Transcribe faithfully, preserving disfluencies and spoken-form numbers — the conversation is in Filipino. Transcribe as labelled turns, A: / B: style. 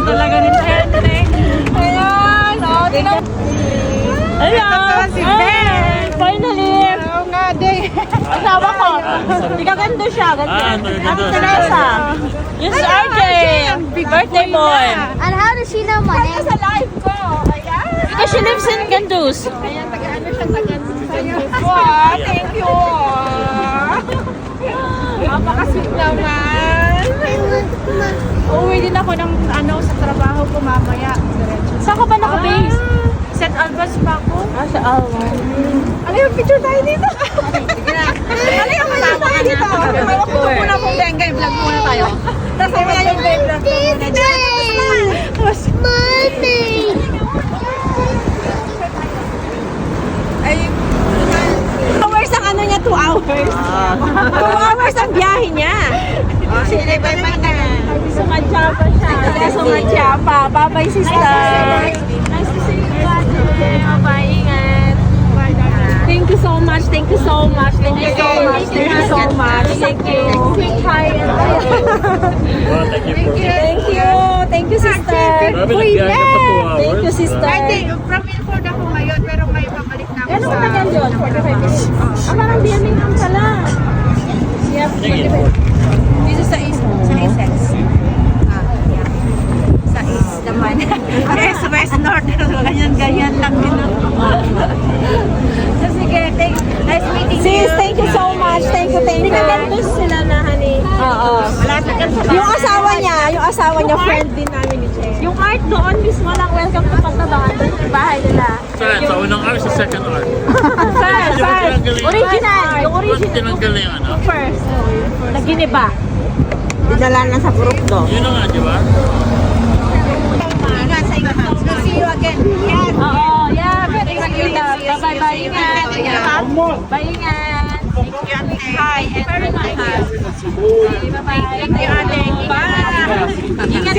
A: talaga ni Henry. Ayan, o, tinan. Hello!
B: Si Ben!
A: Finally!
B: Oo nga, day.
A: Asawa ko. Hindi ka ganda siya. Ganda.
C: Ah, ganda.
A: Ang Teresa. Yes, R J. Birthday boy.
D: And how does she know my name?
A: Sa live ko. Ayan. Because she lives in Gandus.
B: Ayan, taga-ano siya, taga-ano. Wow, thank you. Napaka-sweet naman. Uuwi din ako ng ano sa trabaho ko mamaya.
A: Saan ka ba naka-base?
B: Set Albans pa ako.
A: Ah, sa Alwan.
B: Ano yung picture tayo dito? Sige na. Ano yung picture tayo dito? Hawak ko muna pong Bengay vlog muna tayo. Tapos mamaya yung Bengay vlog ko muna dyan.
D: Money.
B: Ay, hours ang ano niya, two hours. Two hours ang biyahe niya. Oh, sige, bye-bye na.
A: Sumadya pa siya.
B: Kaya sumadya pa. Bye-bye, sister.
A: Nice to see you. Bye-bye. Ingat.
B: Thank you so much. Thank you so much. Thank you so much. Thank you so much. Thank you. Quick hi.
C: Well, thank you.
B: Thank you. Thank you, sister.
C: Grabe, nagbiyahe ka pa two hours.
B: Thank you, sister.
E: I think, from Ilford ako ngayon, pero may pabalik na ako
B: Ano
E: sa...
B: ka tagal yun? forty-five minutes. Ah, parang biyamin lang pala. Yep, forty-five. Dito sa East. Sa Essex.
E: Ah, yeah. Sa East naman. East, West, North. Ganyan-ganyan lang din ako. So, sige. Thank, nice meeting you.
B: Sis, thank you so much. Thank you, thank you.
A: Gandus sila na, honey.
B: Oo.
E: Malapit yan sa
B: Yung asawa niya, yung asawa niya, friend din namin ni Che.
A: Yung art doon mismo lang. Welcome to Pagtabangan. Doon sa bahay nila.
C: Saan? Sa unang hour, sa second hour.
A: First, first. Original. Yung
C: Ba't
A: original.
C: tinanggal na yung ano?
A: First. Naginiba.
B: Dinala na sa group do.
C: Yun na nga, di ba?
E: Ingat sa inyo. We'll see you again. Yan.
A: Oo, yeah. Very maganda. Bye-bye. Ingat. Bye, ingat.
E: Hi. And
A: Very nice. Bye-bye.
E: thank you, Ate. Bye.
A: Ingat